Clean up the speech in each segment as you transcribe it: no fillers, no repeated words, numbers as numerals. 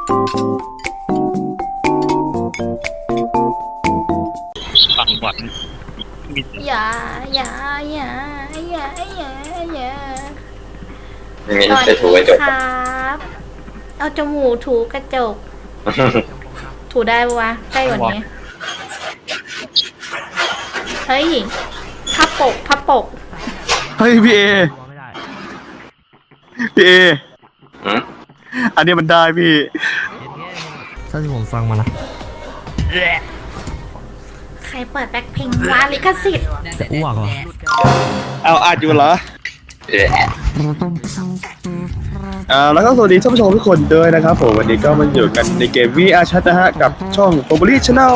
ฝั่งบอดอย่าอย่าอย่าอย่าอย่าอย่ามีสวัสจะถูกกดีระจกครับเอาจมูกถูกระจก ถูได้ปะวะใกล้กว่านี้เฮ้ยพับปกเฮ้ยพี่เอพี่เอหืมอันนี้มันได้พี่ถ้าที่ผมฟังมานะใครเปิดแบ็คพิงวะลิขสิทธิ์จะอ้วกเหรอเอาอาจอยู่เหรอเอ๊ะแล้วก็สวัสดีท่านผู้ชมทุกคนด้วยนะครับผมวันนี้ก็มาอยู่กันในเกม VR Chat นะฮะกับช่อง p o p u l y Channel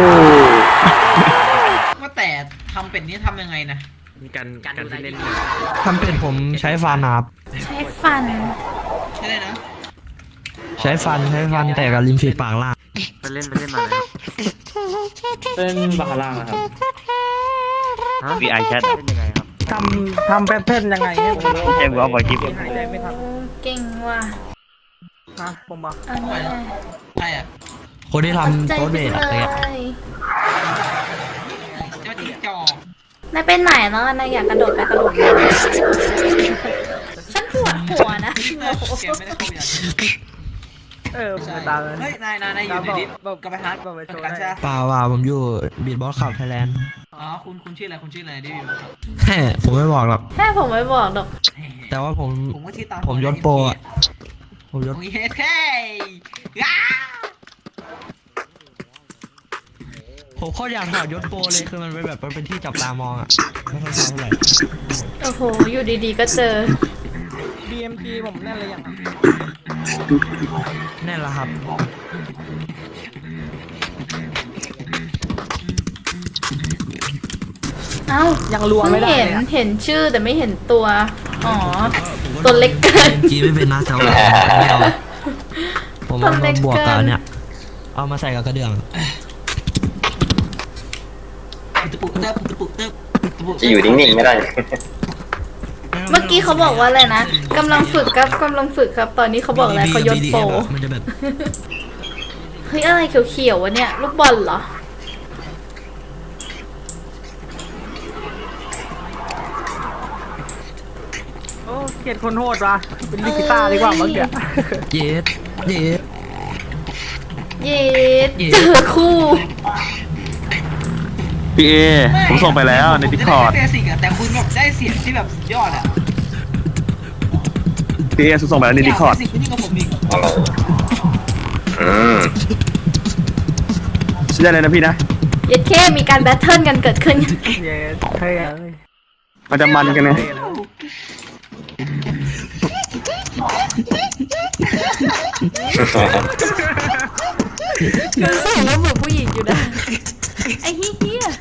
ว่าแต่ทำเป็ดนี้ทำยังไงนะการที่เล่นทำเป็นผมใช้ฟันนะครับใช้ฟันใช่เลยนะใช้ฟันแต่กับริมฝีปากล่างไปเล่นมาเลยเล่นบาคาร่าครับวีไอแชทเป็นยังไงครับทำแพทเทิร์นยังไงให้ผมแจ้งว่าบอยคลิปหายใจไม่ทันเก่งว่ะนะผมบอกอันนี้ใช่อ่ะคนที่ทำใจโต๊ะเบไปสอะไรเลเงี้ยยเจ้าจิ๊กจอกนายเป็นไหนแล้วนายอยากกระโดดไปกระโดดมาฉันปวดหัวนะเกมไม่ได้เข้าอย่างผมตามเลยเฮ้ยนายอยู่ในดิสกับไปฮาร์ดบอกไปโชว์กันได้ใช่เปล่าว่าผมอยู่บีทบอสขับไทยแลนด์อ๋อคุณชื่ออะไรดิวิวแฮ่ผมไม่บอกหรอกแค่ผมไม่บอกหรอกแต่ว่าผมผมก็ชื่อตามผมยศโปรอะผมยศโอ้ยเท่ย้าผมโคตรอยากถอดยศโปรเลยคือมันเป็นแบบมันเป็นที่จับตามองอะไม่ค่อยชอบเท่าไหร่โอ้โหอยู่ดีๆก็เจอ BMP ผมแน่นเลยยังแน่นละครับเอ้ายังรัวไม่ได้เห็นเลยอะเห็นชื่อแต่ไม่เห็นตัว อ๋อ ตัวเล็กเกินจีไม่เป็นนะแต่ว่าไม่เอาผมเอามาบวกกับอันเนี่ยเอามาใส่กับกระเดื่องตะปุกเติบตะปุกเติบตะปุกจะอยู่นิ่งๆไม่ได้เมื่อกี้เขาบอกว่าอะไรนะกำลังฝึกครับกำลังฝึกครับ ตอนนี้เขาบอกอะไรเขายศโปรมันจะแบบเฮ้ยอะไรเขียวๆวะเนี่ย ลูกบอลเหรอโอ้เกลียดคนโหดว่ะเป็นลิกิต้าดีกว่าเมื่อกี้เย็ดเย็ดเจอคู่พี่เอผมส่งไปแล้วใน Discord เบสิกอะแต่คุณแบบได้เสียงที่แบบยอดอะพี่เอส่งไปแล้วใน Discord เบสิกนี่กับผมอีกอะไรอืมใช่ได้เลยนะพี่นะเย็ดเคมีการแบทเทิลกันเกิดขึ้นเย้เท่เลยมันจะมันกันนะคือใส่แล้วเหมือนผู้หญิงอยู่นะ ไอ้เหี้ย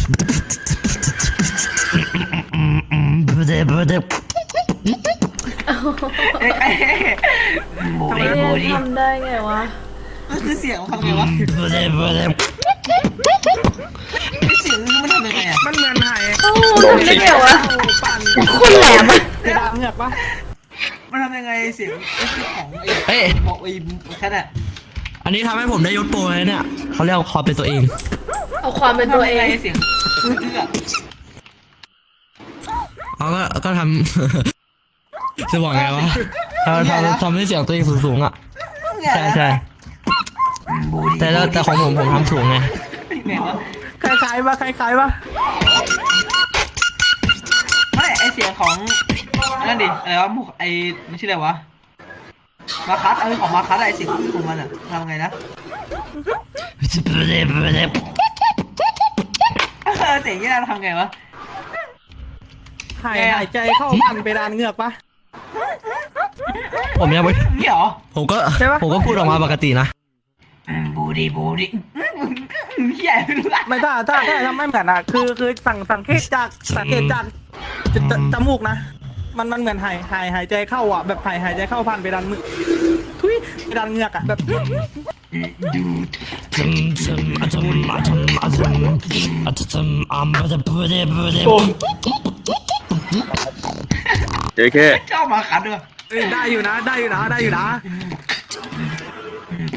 โบทำไมดีโบดีทำได้ไงวะมันคือเสียงทำไงวะเสียงมันทำยังไงอะมันเหมือนหายโอ้ทำได้ไงวะปั่นคนแหลมอะเพดานเหงือกปะมันทำยังไงเสียงของเฮ้ยบอกไอ้แค่นั้นอันนี้ทำให้ผมได้ยศโปรเลยเนี่ยเขาเรียกความเป็นตัวเองเอาความเป็นตัวเองเสียงเลือกเขาก็ทำ จะบอกไงวะทำให้เสียงตัวเองสูงๆอ่ะ ใช่แต่ของผมทำสูงไงไงวะคล้ายๆปะคล้ายๆปะไม่ไอเสียงของนั่นดิอะไรวะไอไม่ใช่อะไรวะมาคัสของมาคัสไอเสียงของมันอะทำไงนะเสียงยี่เราทำไงวะหายใจเข้าปั่นเพดานเหงือกปะผมยังไม่นี่เหรอผมก็ใช่ปะพูดออกมาปกตินะบูดีเฮียไม่รู้ละไม่ถ้าทำไม่เหมือนอ่ะคือสังเกตจากจมูกนะ มันเหมือนหายใจเข้าอ่ะแบบหายใจเข้าผ่านเพดานมือทุยเพดานเหงือกอ่ะแบบเจเคชอบมาคัสด้วยได้อยู่นะ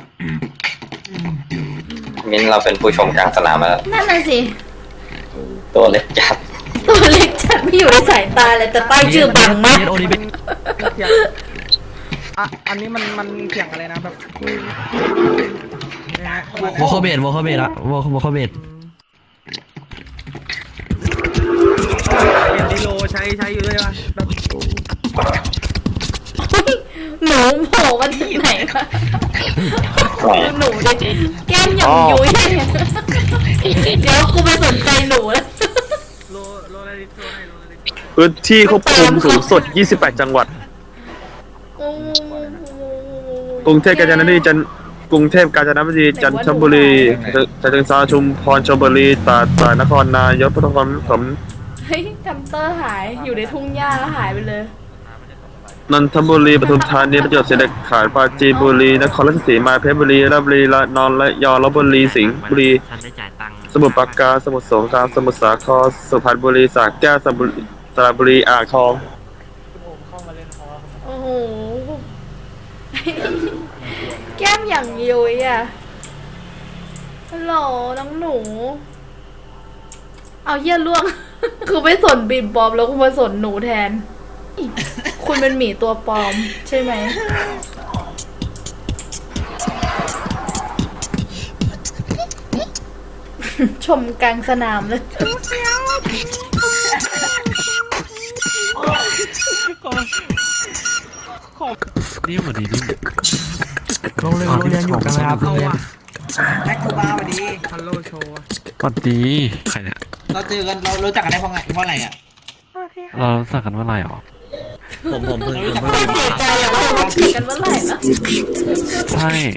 มิ้นเราเป็นผู้ชมกลางสนามแล้วนั่นน่ะสิตัวเล็กจัดตัวเล็กจัดไม่อยู่ในสายตาเลยแต่ป้ายชื่อบังมากโอดีเป็นเถียงอันนี้มันเถียงอะไรนะแบบนะฮะวอลคอเบดวอลคอเบดอะวอลคอเบดเรียนดิโลใช้อยู่ด้วยวะแบบหนูโผล่มาที่ไหนคะหนูดิแก้มหย่อมยุ้ยเดี๋ยวกูไปสนใจหนูแล้วโลอะไรดิโลไหนโลอะไรดิพื้นที่ควบคุมสูงสุด 28 จังหวัด กรุงเทพกาญจนบุรีกรุงเทพกาญจนบุรีจันทบุรีฉะเชิงเทราชุมพรชลบุรีตราดนครนายกพระนครปฐมเฮ้ยทัมสเตอร์หายอยู่ในทุ่งหญ้าแล้วหายไปเลยนนทบุรีปทุมธานีประจวบคีรีขันธ์ปราจีนบุรีนครราชสีมาเพชรบุรีราชบุรีระนองระยองลพบุรีสิงห์บุรีสมุทรปราการสมุทรสงครามสมุทรสาครสุพรรณบุรีสระแก้วสระบุรีอ่างทองโอ้โห แก้มอย่างยุ้ยอ่ะฮัลโหลน้องหนู เอาเยี่ยล่วง คือไม่สนบีบบอมแล้วกูมาสนหนูแทน คุณเป็นหมีตัวปลอม ใช่ไหม ชมกลางสนามเลยนี่เหมือนดีนี่โรงเรียนอยู่กันนะครับเอาอะแม็กคูบ้าสวัสดีฮัลโหลโชว์อะสวัสดีใครเนี่ยเราเจอกันเรารู้จักกันได้เพราะอะไรอ่ะเราสักกันเมื่อไหร่หรอผมเพิ่งไม่เสียใจอะเราจีบกันเมื่อไหร่นะใช่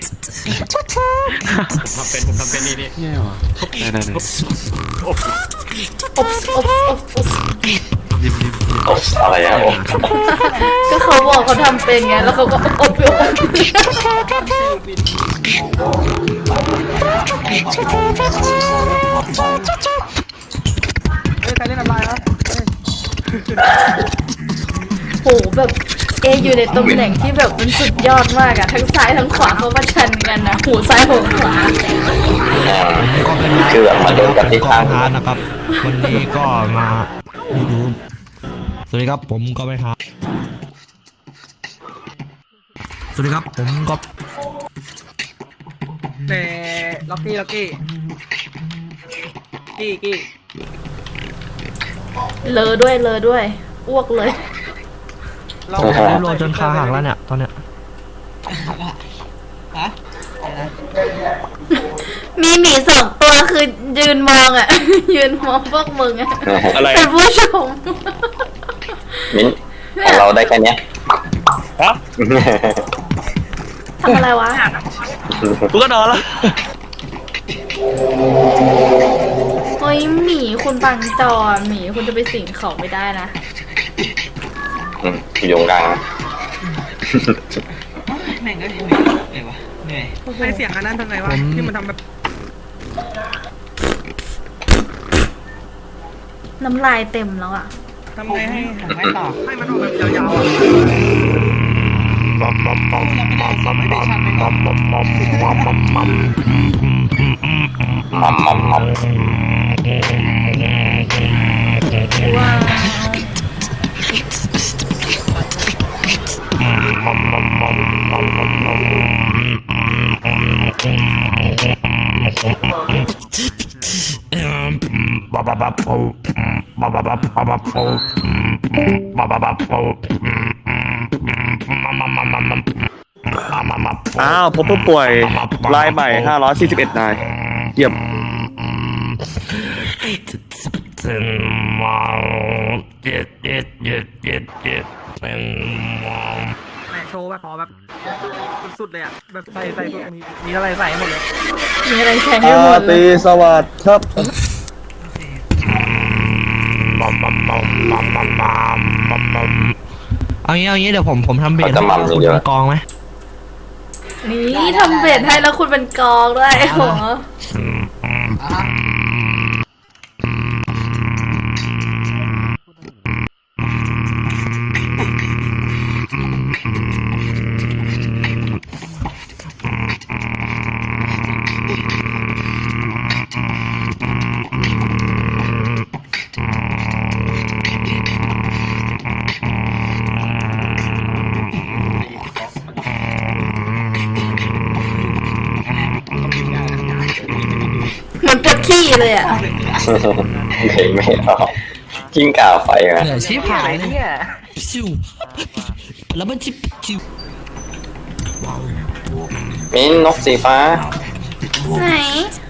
ผมทำเป็นนี่แย่ว่ะได้อบยิ้มโอ้อะไรอะโอ้ก็เขาบอกเขาทำเป็นไงแล้วเขาก็อบอยู่เฮ้ยใครเล่นอะไรวะเฮ้ยโหแบบอยู่ในตำแหน่งที่แบบมันสุดยอดมากอะทั้งซ้ายทั้งขวาเขาประชันกันนะหูซ้ายหูขวาคือแบบมาโดนกันที่ก็ข้างพาร์ทนะครับ วันนี้ก็มาดูสวัสดีครับผมก็ไปหาสวัสดีครับผมก็แต่ล็อกกี้กี้เลอด้วยอ้วกเลยเราผมได้โรจนขาหักแล้วเนี่ยตอนเนี้ยฮะมีหมีสองตัวคือยืนมองอะ ยืนมองพวกมึงอะอะไรเป็นผู้ชมมิ้นของเราได้แค่เนี้ยฮะทำอะไรวะกูก็นอนละเฮ้ยหมีคุณบังจอหมีคุณจะไปสิงเขาไม่ได้นะอยู่กลางนะแม่งก็เหนื่อยวะเหนื่อยใช้เสียงอันนั้นทำไงวะที่มันทำแบบน้ำลายเต็มแล้วอะทำไงให้ผมไม่ตอบให้มันออกแบบยาวๆอะยังไม่ได้สอบไม่ได้ชันไม่ตอบมัมว้าวอ้าวพบผู้ป่วยรายใหม่ 541 นายเยี่ยมแหมโชว์แบบขอแบบสุดๆเลยอะแบบใส่พวกมีอะไรใส่หมดเลยมีอะไรใช้ให้หมดเลยสวัสดีครับเอางี้เดี๋ยวผมทำเบสให้คุณเป็นกองไหมนี่ทำเบ็ดให้แล้วคุณเป็นกองด้วยโหขี้เลยอ่ะเพลงไม่ออกกิ้งก่าไฟมาเหนื่อยชิบหายเลยชิวแล้วมันชิบชิวมิ้นนกสีฟ้าไหน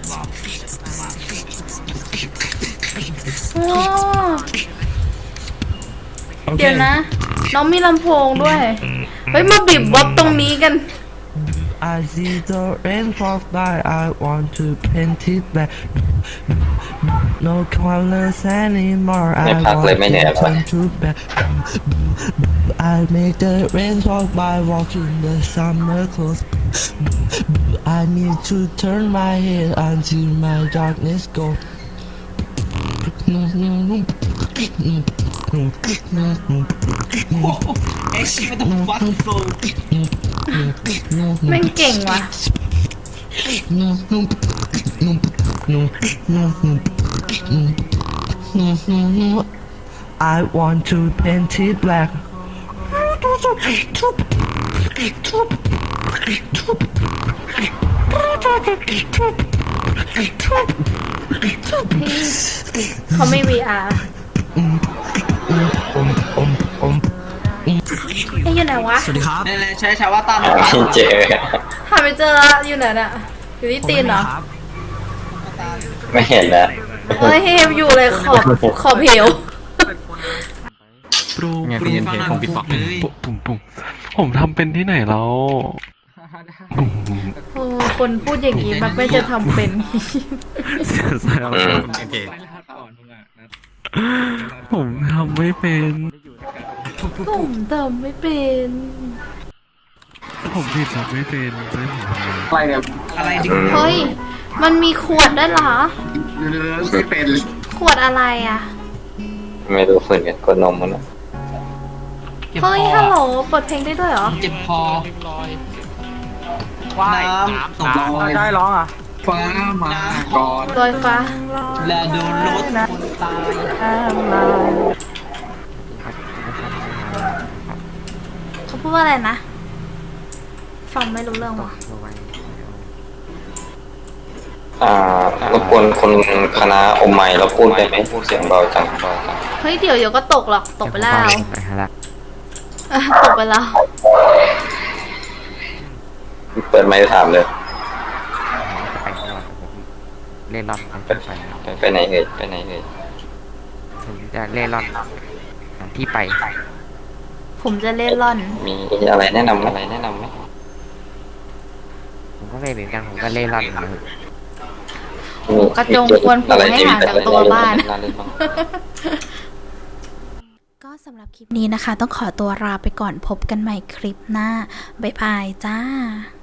โอ้เดี๋ยวนะ น้องมีลำโพงด้วย เฮ้ย มาบีบบ๊อบตรงนี้กัน I see the rain fall by I want to paint it black No colors anymore I ไม่พัก want เลยไม่เหนื่อย to หรอ turn to black I make the rain fall by walking the summer clothes I need to turn my head until my darkness go เอ็กซ์ไม่ต้องฟังโซแม่งเก่งว่ะ I want to paint it black เขาไม่ VR ไอ้อยู่ไหนวะสวัสดีครับนี่เลยใช้ชาวว่าตามไม่เจอหาไม่เจอละอยู่ไหนน่ะ อยู่ที่ตีนเหรอไม่เห็นแล้วเฮ้ยเฮมอยู่เลยขอบเหวปรูปรูฟังผมปิดปากผมทำเป็นที่ไหนแล้วโอ้คนพูดอย่างนี้มักไม่จะทำเป็นผมทำไม่เป็นตุ่มเติมไม่เป็นผมผิดทำไม่เป็นจะให้ผมทำไงอะไรดิเฮ้ย มันมีขวดด้วยเหรอ ขวดอะไรอ่ะไม่รู้ฝืนกันกดนมมันนะเจ็บเฮ้ยคฮัลโหลอเปิดเพลงได้ด้วยเหรอเจ็บคอน้ำตกคอได้ร้องอ่ะฟ้ามาก่อนลอยฟ้าและโดนรถคนตายเขาพูดว่าอะไรนะ ฟังไม่รู้เรื่องว่ะรบกวนคนคณะอมไมค์เราพูดได้ไหมพูดเสียงเบาจังเฮ้ย เดี๋ยวก็ตกหรอก ตกไปแล้วตกไปแล้วเปิดไมค์ถามเลยเล่นร่อนไปไปไหนเอ่ยไปไหนเอ่ยผมจะเล่นร่อนที่ไปผมจะเล่นร่อนมีอะไรแนะนำไหมผมก็เล่นเหมือนกันผมก็เล่นร่อนนะครับกระจงควรผูกให้ห่างจากตัวบ้านน่าเล่นบ้างก็สำหรับคลิปนี้นะคะ ต้องขอตัวลาไปก่อนพบกันใหม่คลิปหน้า บ๊ายบายจ้า